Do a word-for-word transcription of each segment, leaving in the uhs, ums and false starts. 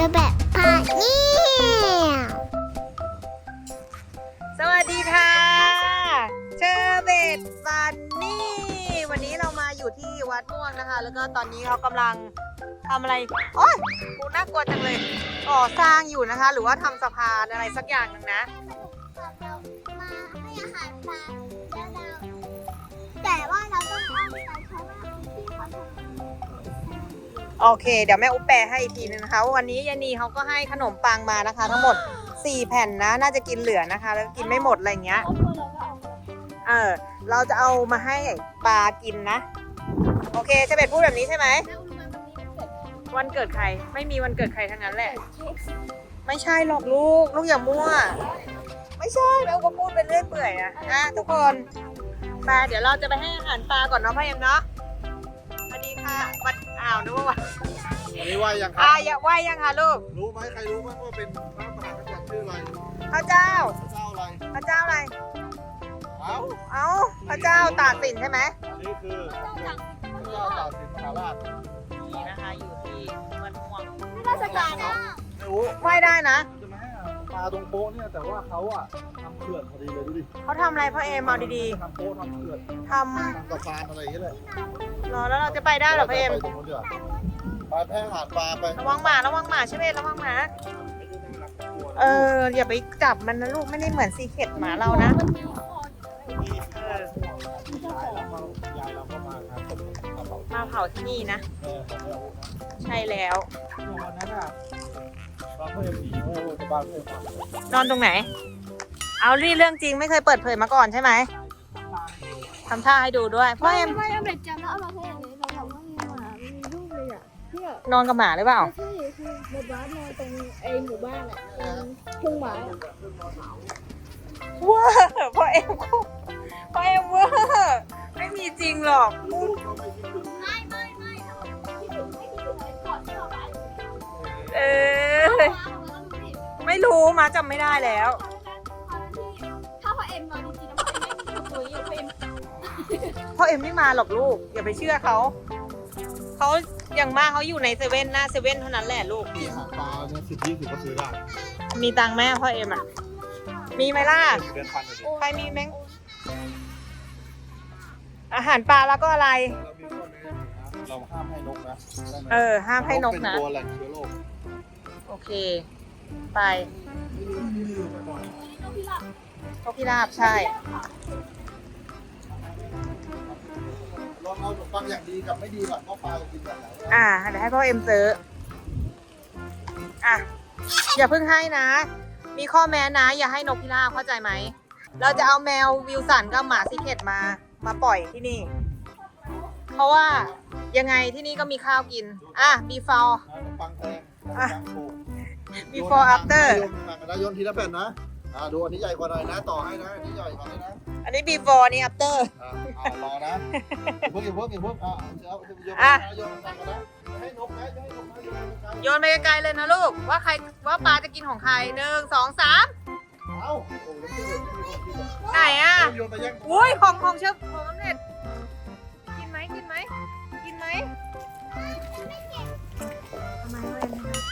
อแบบพาเนี่ยสวัสดีค่ะเชอร์เบตฟันนี่วันนี้เรามาอยู่ที่วัดม่วงนะคะแล้วก็ตอนนี้เขากำลังทำอะไรโอ๊ยกูน่ากลัวจังเลยก่อสร้างอยู่นะคะหรือว่าทำสะพานอะไรสักอย่างหนึ่งนะเรามาให้อาหารปลาแล้วเราแต่ว่าเราต้องอ้อมไปเพราะว่าที่เขาทำโอเคเดี๋ยวแม่อุ๊บแปลให้อีกทีนึงนะคะวันนี้ยานีเขาก็ให้ขนมปังมานะคะ ทั้งหมดสี่แผ่นนะน่าจะกินเหลือนะคะ แล้วกินไม่หมดอะไรเงี้ยเออเราจะเอามาให้ปลากินนะโอเคเชเบตพูดแบบนี้ใช่ไหมวันเกิดใครไม่มีวันเกิดใครทั้งนั้นแหละไม่ใช่หรอกลูกลูกอย่ามั่วไม่ใช่แม่อุ๊บก็พูดเป็นเรื่อยเปื่อยอะนะทุกคนปลาเดี๋ยวเราจะไปให้อาหารปลาก่อนเนาะพ่อเอ็มเนาะสวัสดีค่ะวันอ้าวนึกว่าวันอันนี้ไหวยังครัอ่าบอย่าไหวยังคะลูกรู้ไหมใครรู้ไหมว่าเป็นพระมหากษัตริย์ชื่ออะไรพระเจ้าเจ้าอะไรพระเจ้าอะไรเอ้าเอ้าพระเจ้าตากสินใช่ไหมนี่คือพระเจ้าตากสินมหาราชนี่นะคะอยู่ที่มันม่วงราชการนะไม่รู้ไหวได้นะจะมาให้ปลาตรงโป๊ะเนี่ยแต่ว่าเขาอะทำเขื่อนพอดีเลยดูดิเขาทำอะไรพ่อเอมเอาดีทำโป๊ะทำเขื่อนๆททำสะพานอะไรอย่างเงี้ยเลยำรอแล้วเราจะไปได้เหรอพ่อเอมไปตรงนู้นเดี๋ยวไปแพร่หาดปลาไประวังหมาระวังหมาใช่ไหมระวังหมาเอออย่าไปจับมันนะลูกไม่ได้เหมือนซีเค็ดหมาเรานะเออยายเราก็ยายเราก็มาครับกระเป๋ามาเผาที่นี่นะเออของเรานะใช่แล้ววันนั้นอะตอนเพื่อนผีโอ้จะบ้านเพื่อนฟังนอนตรงไหน เอารีเรื่องจริงไม่เคยเปิดเผยมาก่อนใช่ไหมทำท่าให้ดูด้วยพ่อเอมไม่เอาเด็กจำแล้วเอามาให้อย่างนี้เราทำว่ามีหมามีลูกเลยอ่ะเนี่ยนอนกับหมาหรือเปล่าใช่คือในบ้านนอนตรงไอ้หมู่บ้านอ่ะทุ่งหมาเวอร์พ่อเอ็มก็พ่อเอ็มเวอร์ไม่มีจริงหรอกไม่ไม่ไม่ที่ถึงไม่ที่ถึงก่อนที่เราไปเออไม่รู้มาจำไม่ได้แล้วถ้าพ่อเอ็มนอนจริงๆแล้วพ่อเอ็มไม่ตัวอยู่พ่อเอ็มพ่อเอ็มไม่มาหรอกลูกอย่าไปเชื่อเขาเขาอย่างมากเขาอยู่ในเซเว่นหน้าเซเว่นเท่านั้นแหละลูกมีอาหารปลาเนี่ยสิบยี่สิบก็ซื้อได้มีตังค์แม่พ่อเอ็มอ่ะมีไหมล่ะเดือนพันเลยดิใครมีแมงอาหารปลาแล้วก็อะไรเรามีข้อแม้นะเราห้ามให้นกนะได้ไหมเออห้ามให้นกนะเป็นตัวแหล่งเชื้อโรคโอเค ไปนกพิราบใช่ลองเอาขนมปังอย่างดีกับไม่ดีก่อนก็ปลาจะกินแบบไหนอ่าเดี๋ยวให้พ่อเอ็มซื้ออ่ะอย่าเพิ่งให้นะ มีข้อแม้นะ อย่าให้นกพิราบเข้าใจไหม เราจะเอาแมววิลสันกับหมาซีเคทมา มาปล่อยที่นี่ เพราะว่ายังไงที่นี่ก็มีข้าวกิน อ่ะ before ขนมปังแพงขนมอ่ะปังถูก before after โยนมากันนะโยนทีละแผ่นนะอ่าดูอันนี้ใหญ่กว่าหน่อยนะ ต่อให้นะอันนี้ใหญ่กว่าเลยนะอันนี้ before นี่ after อ่าเอารอนะอย่าเพิ่งอย่าเพิ่งอย่าเพิ่งอ่าเอาโยนอ่ะโยนกันนะให้นกนะให้นกนะโยนกันโยนไปไกลๆเลยนะลูก ว่าใครว่าปลาจะกินของใครหนึ่งสองสามเอาโอ้ยไม่ได้ไม่ได้ไม่ได้ไหนอ่ะโยนไปแย่งอุ้ยของของเชฟของออมเล็ตกินไหมกินไหมกินไหมทำไมเว้ย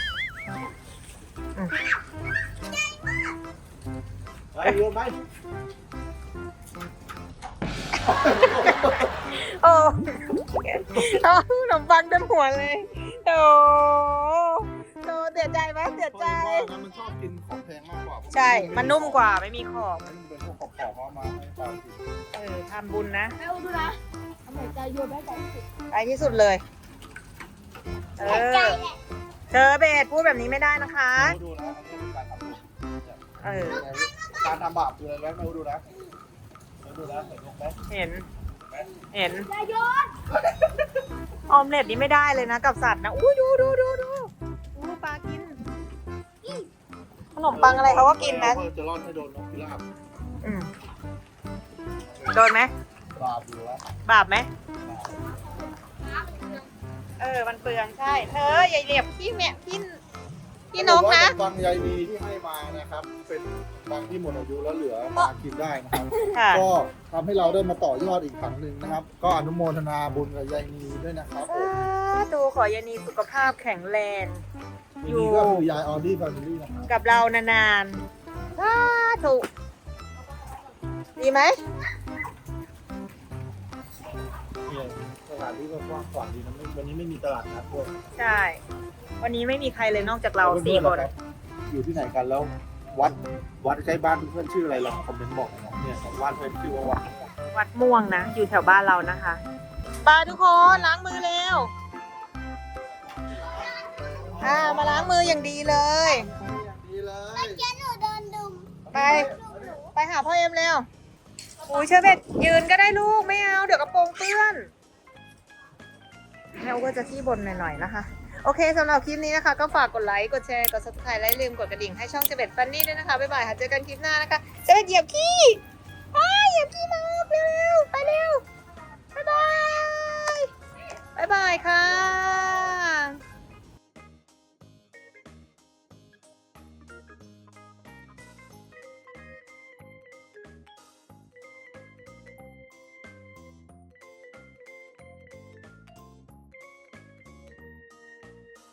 ไปโยนไปโอ้เอาขนมปังเต็มหัวเลยโอ้โตเสียใจไหมเสียใจเพราะว่ามันชอบกินของแพงมากกว่าใช่ มันนุ่มกว่าไม่มีขอบมันเป็นพวกของของมาให้ปลากินเออทำบุญนะแม่อุ้มดูนะทำไมใจโยนได้ใจสุดไปที่สุดเลย เออเธอเบสพูดแบบนี้ไม่ได้นะคะดูนะอันนี้เป็นการทำบุญเออการทำบาปคืออะไรไม่รู้ดูนะไม่ดูนะเห็นลงไหมเห็น เห็นใจโยนออมเล็ตนี่ไม่ได้เลยนะกับสัตว์นะ อุ้ยดูดูดูดูอู้ปลากิน ขนมปังอะไรเขาก็กินนะจะรอดให้โดนนกพิราบอืมโดนไหมบาปอยู่แล้วบาปไหม เออ มันเปลืองใช่ เธออย่าเหยียบพี่แม่พี่พี่นกนะบางใยดีที่ให้มานะครับ เป็นบางที่หมดอายุแล้วเหลือมากินได้นะครับค่ะก็ทำให้เราได้มาต่อยอดอีกครั้งหนึ่งนะครับ ก็อนุโมทนาบุญกับยายนีด้วยนะครับผมสาธุขอยานีสุขภาพแข็งแรงทีนี้ก็คือยายออดี้แฟมิลี่นะครับกับเรานานๆสาธุดีไหมเนี่ยสถานที่ก็กว้างขวางดีนะไม่วันนี้ไม่มีตลาดนัดด้วยใช่ วันนี้ไม่มีใครเลยนอกจากเราสี่คนอยู่ที่ไหนกันแล้ววัดวัดใกล้บ้านเพื่อนๆชื่ออะไรลองคอมเมนต์บอกหน่อยนะเนี่ยของบ้านเพื่อนชื่อว่าวัดวัดม่วงนะ อยู่แถวบ้านเรานะคะบายทุกคนล้างมือเร็ว อ่า มาล้างมืออย่างดีเลยดีเลยเจ๊หนูโดนดุมไป ไปหาพ่อเอ็มเร็วอุ้ยเชอร์เบตยืนก็ได้ลูกไม่เอา เดี๋ยวกระโปรงเปื้อนแมวก็จะขี้บ่นหน่อยๆนะคะ โอเคสำหรับคลิปนี้นะคะ ก็ฝากกดไลค์ กดแชร์ กด ซับสไครบ์ และอย่าลืมกดกระดิ่งให้ช่องเชอร์เบตฟันนี่ด้วยนะคะ บ๊ายบายค่ะ เจอกันคลิปหน้านะคะเชอร์เบตเหยียบขี้อ้ายเหยียบขี้มาเร็วๆไปเร็ว บ๊ายบาย บ๊ายบายค่ะ